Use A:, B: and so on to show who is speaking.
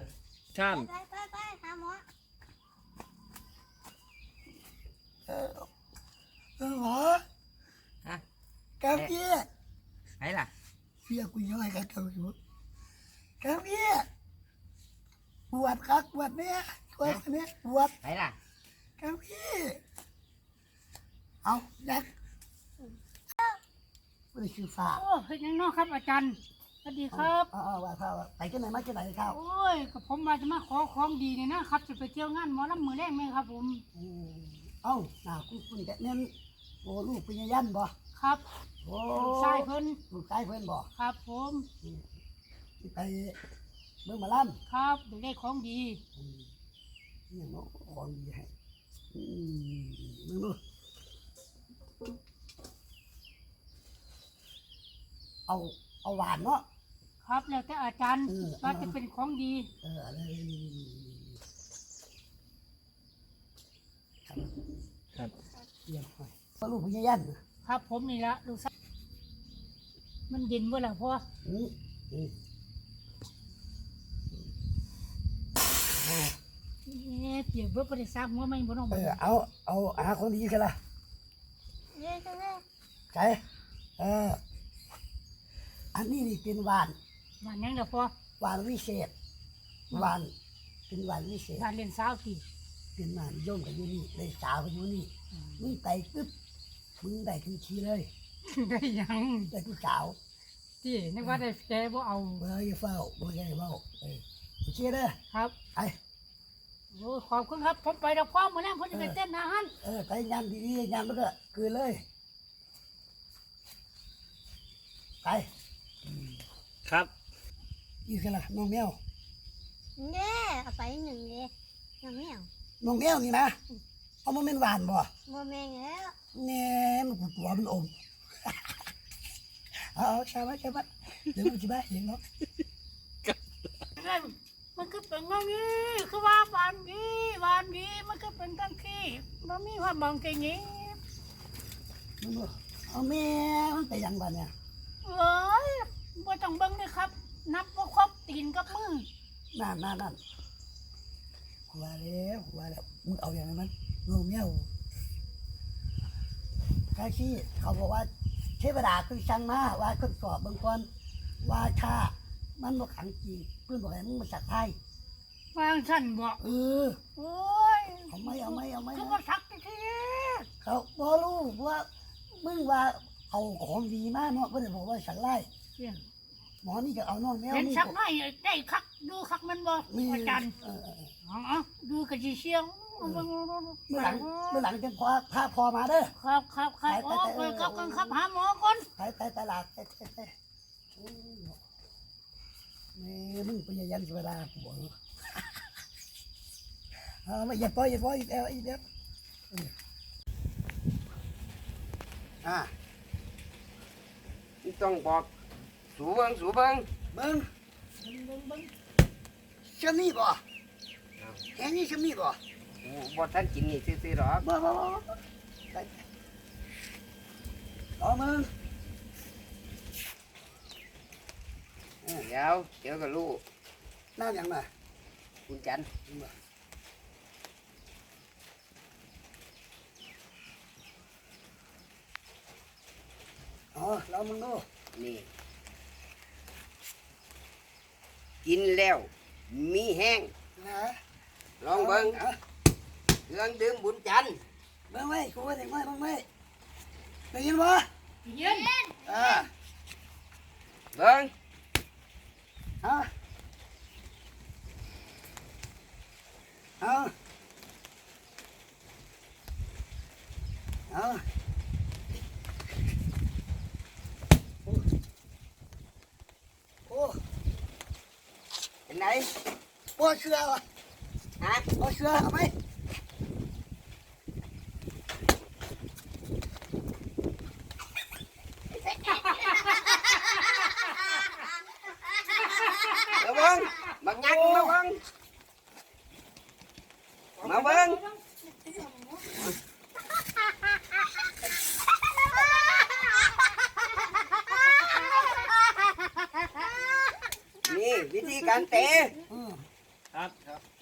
A: ช่าง
B: ไปหาหมอ
C: หมอ
D: ฮะ
C: กำเกี้ย
D: ไหนล่ะ
C: เสียกูยังไงกันกำเกี้ยปวดครับปวดเนี่ยปวดเนี่ยปวด
D: ไหนล่ะ
C: กำเกี้ยเอายักไม่ได้ชื่อฟ้า
B: โอ้เฮ็ดยังน้อครับอาจารย์สวัสดีครับ
C: ว่าข้าวไปที่ไหนมาที่ไหนข้าว
B: โอ้ยกับผมมาจะมาขอของดีเนี่ยนะครับจะไปเที่ยวงานหมอลำมือแรกไหมครับผม
C: เอ้าหน้าคุณแต่เน้นโอ้ลูกเป็นยันบ่
B: ครับ
C: โอ้
B: ชายเพิ่น
C: ลูกชายเพิ่นบ่
B: ครับผม
C: ไปเบิ่งมาล่ำ
B: ครับได้ของดี
C: นี่เนาะของดีให้มึงดูเอาหวานเนาะ
B: ครับแล้วแต่อาจารย์ว่าจะเป็นของดี
C: อะไร
A: ครับ
C: เยี่ยมไปพ่อลูกพี่ยัน
B: ครับผมนี่ละดูซะมันเย็นเมื่อไหร่พ่อเปียกเบื่อไปได้ซักหัวไม่บ่น้อง
C: เอาหาของดีกันละใช่อันนี้นี่เป็นหวาน
B: ยังเด้อพ่อ
C: หวานวิเศษหวานเป็นหวานวิเศษ
B: หวานเล่นสาวตี
C: เป็นหวานย่อมกับยูนี่เลยสาวกับยูนี่มึงไปปึ๊บมึงได้ทันทีเลย
B: ได้ยัง
C: ได้ผู้สาว
B: ที่นึกว่าได้แกบ่เอา
C: เบอร์ยี่เฝ้าเบอร์ยี่เฝ้าโอเคเด้อ
B: ครับ
C: ไป
B: โอ้ขอบคุณครับผมไปดอกพ่อมาแล้วผมจะไปเต้นอาหาร
C: ไปยำดีๆยำแล้วก็คืนเลยไป
A: ครับ
C: ยี่สิบละน้องแมว
B: เนี่ยเอาไปหนึ่งเลยน้องแมว
C: น้องแมวนี่นะเอามันเป็นหวานบ่
B: แม่แล้ว
C: เนี่ยมันปวดหัวมันอมเอาใช่ไหมเดี๋ยวมันจะบ้าเองเนาะ
B: มันก็เป็นอย่างนี้คือว่าหวานดีมันก็เป็นตั้งขี้มันมีความบางแค่นี้
C: มันบอกเอาแม่มันไปยังบ้านเนี่ย
B: บ่ต้องเบิ่งเลยครับนับว่าครบตีนกับมือ
C: นั่นหัวแล้วมึงเอาอย่างนั้นน้องแมวข้าชี้เขาบอกว่าเทวดาคือช่างมาว่าคนสอบบางคนว่าชามันบอกขังจริงเพื่อนบอกให้มึงมาสักไท
B: ยวางฉันบอก
C: โอ้ยเอาไหม
B: คือว่าสักที
C: เขาบอกรู้ว่ามึงว่าเอาของดีมากเนาะเพื่อนบอกว่าสักไล่หมอนี่จะเอาน้องแมว
B: นี่สักไล่ได้คักดูคักมันบอกอาจารย์ดูกระจีเชียง
C: เมื่อหลังจะพอมาเด้อ
B: ครับโอ้ไปครับหาหมอก่อน
C: ไปตลาดไปมึงไปยันเวลาบอกไม่อย่าปล่อยอีกแล้ว
D: ต้องบอกสูเบิ้ง
C: ชมีบ่แค่นี้ชมีบ่
D: บ่ท่านกินนี่ซื้อหรอ
C: บ่เอามึง
D: เดี๋ยวกับลูก
C: น้ำยังไง
D: คุณจัน
C: เรามึงดู
D: นี่กินแล้วมีแห้งลองเบิ้งเครื่องดื่มบุญจัน
C: เบิ้งไว้กูว่าเด็กน้อยเบิ้งไว้ได้ยินบ่
B: ยิน
D: เบิ้งเป็นไง
C: บ่เชื่อวะบ่เชื่อเอาไหม
D: มาเบิ้งบักยักษ์มาเบิ้งนี่วิธีการเตะ
A: ครับ
E: ครับ